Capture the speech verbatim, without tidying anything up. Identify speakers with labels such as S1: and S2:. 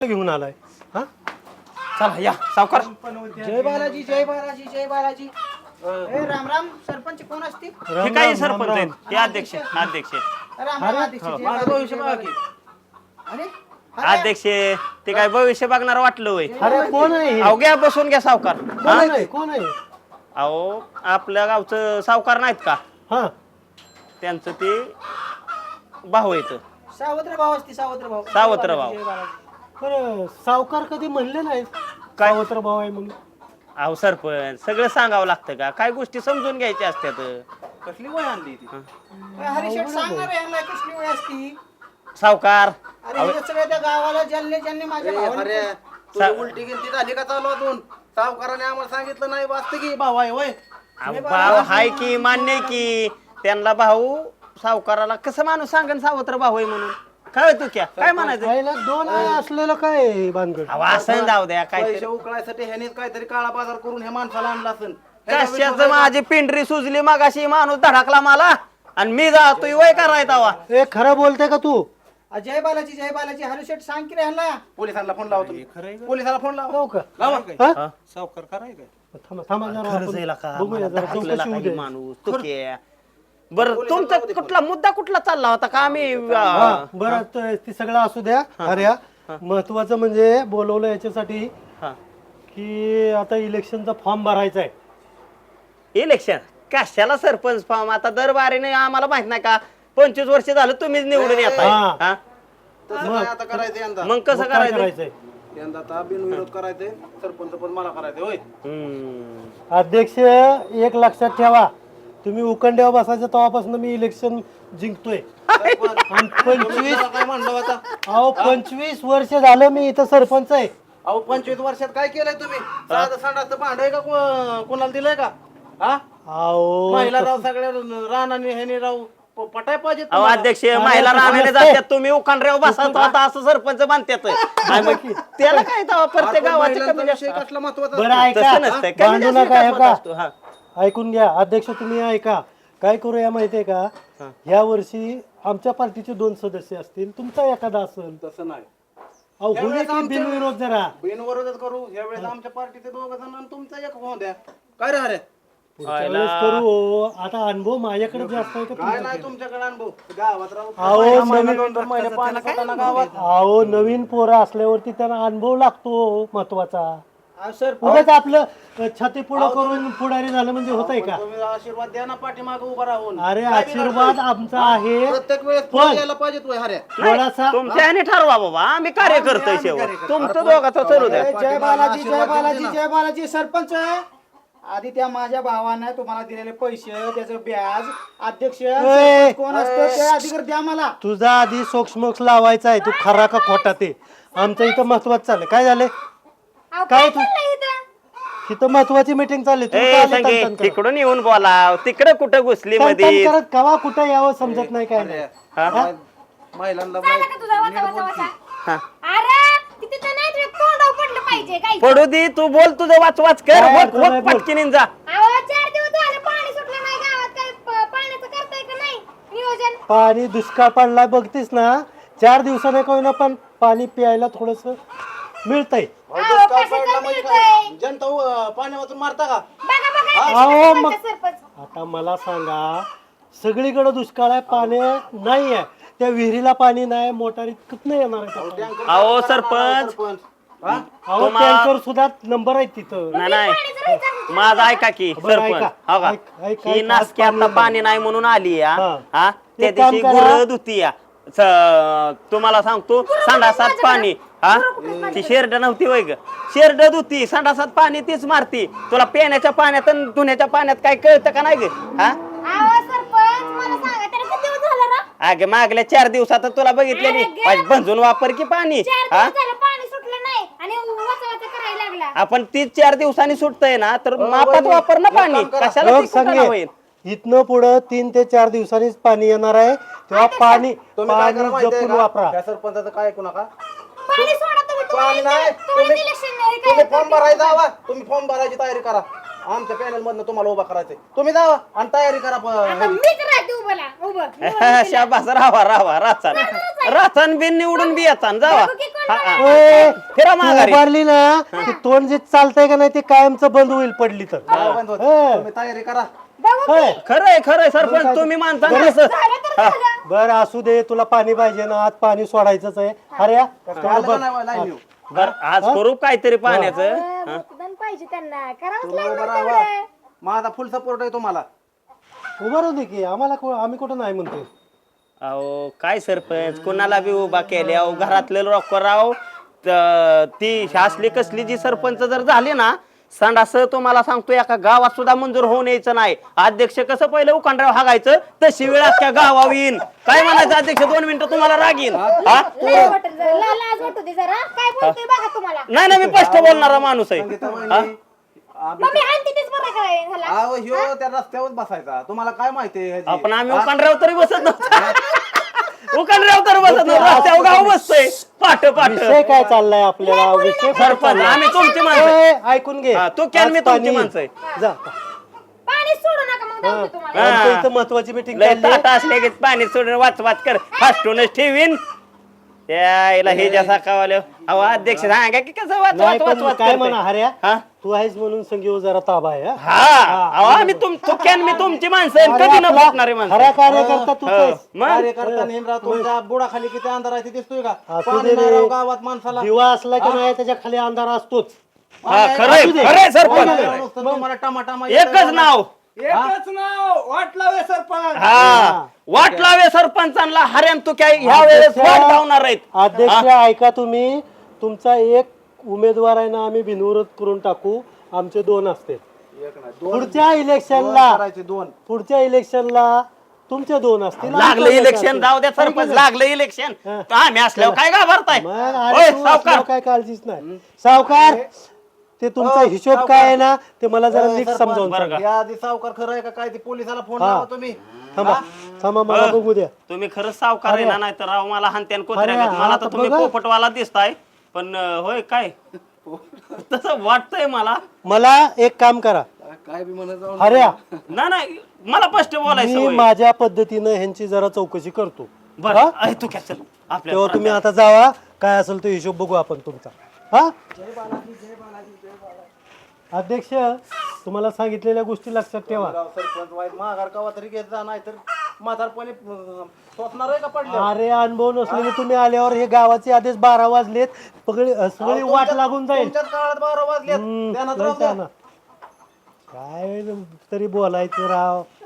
S1: घेऊन आलाय हा
S2: चला या सावकार.
S3: जय बालाजी जय बालाजी जय बालाजी. ए राम राम. सरपंच कोण असतील?
S2: हे काही सरपंच आहेत, हे अध्यक्ष अध्यक्ष
S3: राम राम अध्यक्ष. जय
S4: माझं
S3: बालाजी,
S4: भविष्य
S3: जय
S4: बघा
S3: बालाजी.
S4: की.
S3: अरे
S2: अध्यक्ष ते काय भविष्य बघणार वाटलं होय.
S1: अरे कोण आहे
S2: अहो घ्या बसून घ्या सावकार.
S1: कोण आहे कोण आहे
S2: अहो आपल्या गावचं सावकार नाहीत का,
S1: हा
S2: त्यांचं ते भाऊ येत.
S3: सावत्र भाऊ असते सावत्र भाऊ.
S2: सावत्र भाऊ.
S3: जय बालाजी.
S1: बरं सावकार कधी म्हणले नाही
S2: काय?
S1: सावत्र भाऊ आहे म्हणून.
S2: अहो सरपंच सगळं सांगावं लागतं का, काय गोष्टी समजून घ्यायच्या असतात.
S4: कसली वय आणली ती?
S3: ए, हरिशेठ सांगणार आहे ह्यांना कसली वेळ असती.
S2: सावकार
S3: अरे हे सगळ्या त्या गावाला ज्यांनी ज्यांनी माझ्या
S4: ए,
S3: भावाला
S4: अरे तुझी उलटी गिलती झाली का चालू अजून? सावकाराने आम्हाला सांगितलं नाही वाचतं की भाऊ आहे वय.
S2: अहो, भाऊ हाय की मान्य आहे की त्यांना भाऊ सावकाराला कसं माणूस सांगन सावत्र भाऊ आहे म्हणून. काय तू क्या काय म्हणायचं.
S1: पहिला दोन आहे असलेलं काय भानगड.
S2: अहो, असं जाऊ द्या काय
S4: पैसे उकळायसाठी ह्याने काहीतरी काळा बाजार करून हे माणसाला आणलं असेल.
S2: कशाच माझी पिंढरी सुजली मगाशी माणूस धडकला मला आणि मी जातोय वय करायचा वा.
S1: ए खरं बोलते का तू?
S3: अ, जय बालाजी जय बालाजी. हरिशेठ सांग की रे ह्यांना.
S4: पोलिसांना फोन लावतो. पोलिसाला फोन लाव.
S1: हो का
S4: लावा.
S1: हा?
S4: सावकार कराय काय?
S1: थांबा थांबा जरा
S2: खरंच
S1: आपण
S2: आहे ला का?
S1: बघूया
S2: मला
S1: जरा
S2: धडकलेला
S1: चौकशी होऊ
S2: काही
S1: दे.
S2: माणूस तू क्या. बरं तुमचा कुठला मुद्दा कुठला चालला होता का आम्ही
S1: हा,
S2: अं,
S1: बरं त- ती सगळं असू द्या. अरे महत्वाचं म्हणजे बोलवलं याच्यासाठी
S2: हा.
S1: की आता इलेक्शनचा फॉर्म भरायचा आहे.
S2: इलेक्शन कशाला सरपंच फॉर्म आता दरबारीने आम्हाला माहित नाही का पंचवीस वर्ष झालं तुम्हीच निवडून येताय.
S1: हा.
S2: हा?
S4: तसं नाही आता करायचं यंदा.
S2: मग कसं
S1: मग काय
S2: करायचं.
S1: करायचंय?
S4: यंदा आता बिनविरोध करायचंय. सरपंच पण मला करायचंय होय.
S2: हम्म.
S1: अध्यक्ष एक लक्षात ठेवा, तुम्ही उकंड्यावर बसायचं तेव्हापासून मी इलेक्शन जिंकतोय. आणि पंचवीस
S4: मला काय म्हणलं आता?
S1: अहो पंचवीस वर्ष झालं मी इथं सरपंच आहे.
S4: अहो पंचवीस वर्षात काय केलंय तुम्ही? साधं संडासचं भांड आहे का को- कोणाला दिलंय का? हा
S1: अहो
S4: महिला राव सगळ्या रानाने ह्याने राव प- पटाय पाहिजे
S2: अहो
S4: तुम्हाला.
S2: अध्यक्ष महिला राहण्याने जातात तुम्ही उखांड्यावर बसत होता असं सरपंच मानतात. आणि मग त्याला काय तेव्हा प्रत्येक
S4: आपण
S2: गावाचे
S4: महिलांचा
S2: कमी
S4: विषय
S2: जास्त
S4: कसला महत्वाचा
S1: बरं
S4: असतो?
S1: ऐका,
S2: तसं नसतंय. कमी
S1: भांडू
S2: जास्त
S1: नका, हे
S2: विकास
S1: का?
S2: होत असतो. हा.
S1: ऐकून घ्या अध्यक्ष, तुम्ही ऐका. काय करूया माहितीये का, या वर्षी आमच्या पार्टीचे दोन सदस्य असतील, तुमचा एखादा असेल.
S4: तसं नाही.
S1: अहो
S4: या
S1: होईल
S4: वेळेस
S1: की
S4: आमच्या-
S1: बिनविरोध जरा.
S4: बिनविरोधच करू. या वेळेस आमच्या पार्टीचे दोघ जण आणि तुमचा एक होऊन द्या. काय रे अरे?
S1: पुढच्या वेळेस करू हो. आता अनुभव माझ्याकडे जास्त आहे का
S4: काय
S1: तुमच्याकडे?
S4: नाही तुमच्याकडे अनुभव गावात राहू.
S1: अहो,
S4: महिना- महिना
S1: नवीन-
S4: दोन दोन महिने पाणी सोडताना गावात.
S1: अहो नवीन पोरं असल्यावरती त्यांना अनुभव लागतो महत्वाचा.
S3: अहो, सर
S1: उगाच आपलं छाती पुढं करून पुढारी झालं म्हणजे होतंय का?
S4: तुम्ही आशीर्वाद द्या ना पाठीमागे उभा राहून.
S1: अरे
S4: काय
S1: आशीर्वाद
S4: बिघडतंय?
S1: आमचा आहे.
S4: प्रत्येक वेळेस
S1: पण-
S4: पुढे यायला पाहिजे तू हऱ्या.
S1: थोडासा
S2: तुमच्या ह्याने ठरवा बाबा, आम्ही कार्य करतोय शेवट. तुमचं दोघाचं चालू द्या.
S3: ए, जय बालाजी जय बालाजी जय बालाजी. सरपंच आधी त्या माझ्या भावानं तुम्हाला दिलेले पैसे त्याचं व्याज अध्यक्ष सरपंच कोण असतं ते अधिकार द्या मला.
S1: तुझा आधी सोक्ष लावायचा आहे, तू खरा का खोटा ते आमचं इथं महत्वाचं चाललंय. काय झालंय काय तू इथं महत्वाची मीटिंग चालली, तू
S2: ए
S1: का आली
S2: संगे
S1: तणतण करत?
S2: तिकडून येऊन बोला, तिकडे कुठं घुसली
S1: तणतण
S2: मध्ये.
S1: करत कवा कुठं यावं समजत नाही काय नाही.
S2: हा?
S4: महिलांना
S5: झालं का तुझा वाचा वाचा वाचा?
S2: हा.
S5: अरे तिथे तर नाही तुझ्या तोंडावर पडलं पाहिजे काय
S2: पडू दे, तू बोल तुझं वाच वाच कर.
S1: काय
S2: वक-
S1: बोल,
S2: वक
S1: बोल.
S2: पटकीने जा.
S5: अहो चार दिवस झाले पाणी सुटलं नाही गावात काय प- पाण्याचं करताय का नाही नियोजन
S1: पाणी दुष्काळ पडलाय बघतीस ना, चार दिवसाने काही ना पण पाणी प्यायला थोडस मिळतंय.
S5: अहो,
S4: दुष्काळ
S5: कसं
S4: पडला
S5: काय
S4: म्हणजे
S5: मिळतंय?
S4: काय? जनता अं, पाणी वाचून मारता का?
S5: बघा बघा
S1: अहो,
S5: कशी
S1: मग-
S5: करतात सरपंच.
S1: आता मला सांगा, सगळीकडे दुष्काळ आहे, पाणी नाही आहे, त्या विहिरीला पाणी नाही, मोटारीत कुठं येणार आहे ते पाणी?
S4: टँकर
S2: अहो
S4: मारणार
S2: सरपंच,
S4: सरपंच. हा?
S1: अहो
S2: तुम्हा-
S1: टँकर सुद्धा नंबर आहे तिथं.
S2: नाही नाही
S5: पाणी जर इथं-
S2: माझा ऐका की
S1: बरं,
S2: सरपंच,
S1: ऐका.
S2: हो का
S1: ऐक- ऐक-
S2: ही
S1: ऐक,
S2: नासकी
S1: आज
S2: आता
S1: पाणी
S2: पाणी नाही म्हणून आली या.
S1: हा.
S2: हा त्या
S1: एक काम
S2: दिवशी
S1: करा.
S2: गुरं धुती या स- तुम्हाला सांगतो संडासात पाणी हा ती शेरड नव्हती वय ग, शेरड धुती संडासात पाणी तीच मारती. तुला पिण्याच्या पाण्यात आणि धुण्याच्या पाण्यात काय कळतं का नाही ग? हा
S5: अहो सरपंच मला सांगा त्याला किती दिवस झालं ना
S2: अगे मागल्या चार दिवसात तुला बघितलेली
S5: अरे गे.
S2: भंजून वापर की पाणी.
S5: चार
S2: हा
S5: दिवस झालं पाणी सुटलं नाही आणि वाचा वाचा करायला लागला.
S2: आपण तीच चार दिवसांनी सुटतंय ना तर
S4: अहो,
S2: मापात
S4: वहिनी,
S2: वापर ना
S4: एक
S2: पाणी.
S4: काम करा.
S2: कशाला
S1: बघ
S2: ती कुटाणा
S1: संगे,
S2: होईल.
S1: इथनं पुढं तीन ते चार दिवसांनीच पाणी येणार आहे, तेव्हा पाणी
S4: तुम्ही काय करा
S1: पाणी
S4: माहितीये
S1: जपून
S4: का?
S1: वापरा.
S4: त्या सरपंचाचं काय ऐकू नका.
S5: पाणी सोडा तुम्ही
S4: पाणी नाही.
S5: तुम्ही
S4: तुम्ही
S5: इलेक्शन नाही
S4: तुम्ही
S5: काय
S4: फॉर्म भरायचा हवा. तुम्ही फॉर्म भरायची तयारी करा. आमच्या पॅनल मधनं तुम्हाला उभा करायचंय. तुम्ही जावा आणि तयारी करा. प-
S5: आता मीच राहते उभं उभं
S2: शाबास राहा राहा राचन राचन बिन निवडून बी याचा जावा.
S5: बघू की
S2: हा, हा.
S1: ओय,
S2: फिरा
S1: तू
S2: माघारी
S1: उभारली ना ते तोंड जे चालतंय का नाही ते कायमचं बंद होईल पडली तर
S4: काय बंद होत?
S1: हे.
S4: तुम्ही तयारी करा.
S5: बघू
S1: होय.
S2: खरंय खरंय सरपंच तुम्ही माणसा कसं
S5: झालं तर झालं.
S1: बरं असू दे तुला पाणी पाहिजे ना आज पाणी सोडायचंच आहे अरे या, तेवढं
S4: आलं का
S1: बघ.
S4: नाही लाईन येऊ?
S2: बर आज करू काहीतरी पाण्याचं
S5: अं, मतदान पाहिजे त्यांना करावंच
S4: तुम्ही उभं
S5: लागणार
S4: राहा.
S5: तेवढं.
S4: माझा फुल सपोर्ट आहे तुम्हाला.
S1: उभं राहू दे की आम्हाला को- आम्ही कुठं नाही म्हणतोय
S2: अहो काय सरपंच कोणाला बी उभा केले अहो घरातले लोक राव त- ती असली कसली जी सरपंच जर झाली ना संडास तुम्हाला सांगतो एका गावात सुद्धा मंजूर होऊन यायचं नाही. अध्यक्ष कसं पहिलं उकांडराव हागायचं तशी वेळ अख्ख्या गावावर येईन. काय म्हणायचं अध्यक्ष दोन मिनिटं तुम्हाला राग येईन हा
S5: लाज वाटेल जरा, ला- लाज वाटू दे जरा. काय बोलतोय बघा तुम्हाला.
S2: नाही ना मी स्पष्ट बोलणारा माणूस आहे
S4: संगीता
S2: हा?
S4: वहिनी, आम्ही-
S5: मग मी आणते तेच बरं काय ह्याला.
S4: अहो, ह्यो त्या रस्त्यावर बसायचा. तुम्हाला काय माहितीये
S2: आपण आम्ही उकांडराव तरी बसत नव्हतो उकांडराव तर बसत नव्हतो रस्त्यावर गाव बसतोय पाठ पाठ
S1: विषय काय चाललाय आपल्याला विषय काय
S2: सरपंच
S1: चाललाय?
S2: आम्ही तुमची माणसं आहे.
S1: ए, ऐकून घे
S2: हा, तू कॅन, मी
S1: आज
S2: तुमची
S1: पाणी-
S2: माणसं आहे.
S1: जा
S5: पाणी सोडू नका मग जाऊ दे तुम्हाला.
S2: हा.
S1: आमच्या इथं महत्वाची मीटिंग
S2: लय ताट असले की पाणी सोडून वाच वाच कर फास्टूनच ठेवीन त्याला हे ज्या साकावाले अहो अध्यक्ष सांगा की कसं वाच
S1: नाही
S2: वाच वाच
S1: पण
S2: वाच
S1: काय
S2: करते.
S1: म्हणा हऱ्या
S2: हा?
S1: तू आहेस म्हणून संगीव जरा ताबा आहे हा?
S2: हा अहो आम्ही तुम तू कॅन मी तुमची माणसं आहे.
S1: अरे
S2: कधी न
S1: आपला
S2: फुटणारी माणसं
S1: खरा कार्यकर्ता तूच
S2: हो.
S1: आहेस.
S2: मग
S4: कार्यकर्ता नेमरा तुमच्या बुडाखाली किती अंधार आहे ते दिसतोय का?
S1: असू
S4: पाणी
S1: दे
S4: नाही
S1: रे.
S4: राव गावात माणसाला.
S1: दिवा असला की नाही त्याच्या खाली अंधार असतोच
S2: हा खरंय
S1: असू दे.
S2: खरंय
S4: पाणी
S2: सरपंच
S4: नाही नुसतं तुम्हाला टमाटामा
S2: एकच नाव
S3: एकच नाव वाट लावे सरपंच.
S2: हा वाट लावे सरपंचांना हऱ्यान तू काय ह्या वेळेस वाट लावणार आहेत
S1: अध्यक्ष ऐका तुम्ही तुमचा एक उमेदवार आहे ना आम्ही बिनविरोध करून टाकू आमचे दोन असते
S4: एक नाही, दोन-
S1: पुढच्या
S4: दोन
S1: इलेक्शनला
S4: करायचे दोन.
S1: पुढच्या इलेक्शनला तुमचे दोन असतील
S2: लागलं
S1: आमचे
S2: इलेक्शन
S1: असतील.
S2: जाऊ द्या सरपंच लागलं इलेक्शन
S1: हा.
S2: तर आम्ही असल्यावर काय घाबरताय
S1: मग
S2: होय,
S1: अरे तू
S2: सावकार
S1: असल्यावर काय काळजीच नाही सावकार ते तुमचा
S4: हो,
S1: हिशोब
S4: सावकार.
S1: काय आहे ना ते मला जरा
S4: ए,
S1: नीट
S4: सरपंच,
S1: समजावून
S2: बरं
S1: सांगा
S2: का?
S4: या आधी सावकार खरं आहे का काय ते पोलिसाला फोन
S1: हा.
S4: लावा तुम्ही.
S1: थांबा थांबा मला
S2: हा.
S1: बघू द्या
S2: तुम्ही खरंच सावकार आहे ना नाही तर राव मला हानत्यान कुत्र्या
S1: अरे,
S2: गत. मला
S1: आता
S2: तर तुम्ही
S1: बघा.
S2: पोपटवाला दिसताय पण अं, होय काय तसं वाटतंय मला
S1: मला एक काम करा
S4: काय बी म्हणत जाऊ
S1: हऱ्या
S2: ना नाही मला स्पष्ट बोलायचं
S1: मी
S2: होय.
S1: माझ्या पद्धतीनं ह्यांची जरा चौकशी करतो
S2: बरं
S1: हा?
S2: अय, तू काय चल आपल्या
S1: तेव्हा तुम्ही आता जावा काय असेल तो हिशोब बघू आपण तुमचा हा अध्यक्ष तुम्हाला सांगितलेल्या गोष्टी लक्षात ठेवा
S4: सरपंच वाईट माघार कवा तरी घेत जा नाही तर म्हातारपणी स्वप्नार आहे का पडले.
S1: अरे अनुभव नसलेले तुम्ही आल्यावर हे गावाचे आदेश बारा वाजलेत पगडी सगळी वाट लागून जाईल
S4: तुमच्याच काळात बारा वाजलेत
S1: हम्म,
S4: त्यानं
S1: लय
S4: राहू द्या.
S1: छान. काय तरी बोलायचं राव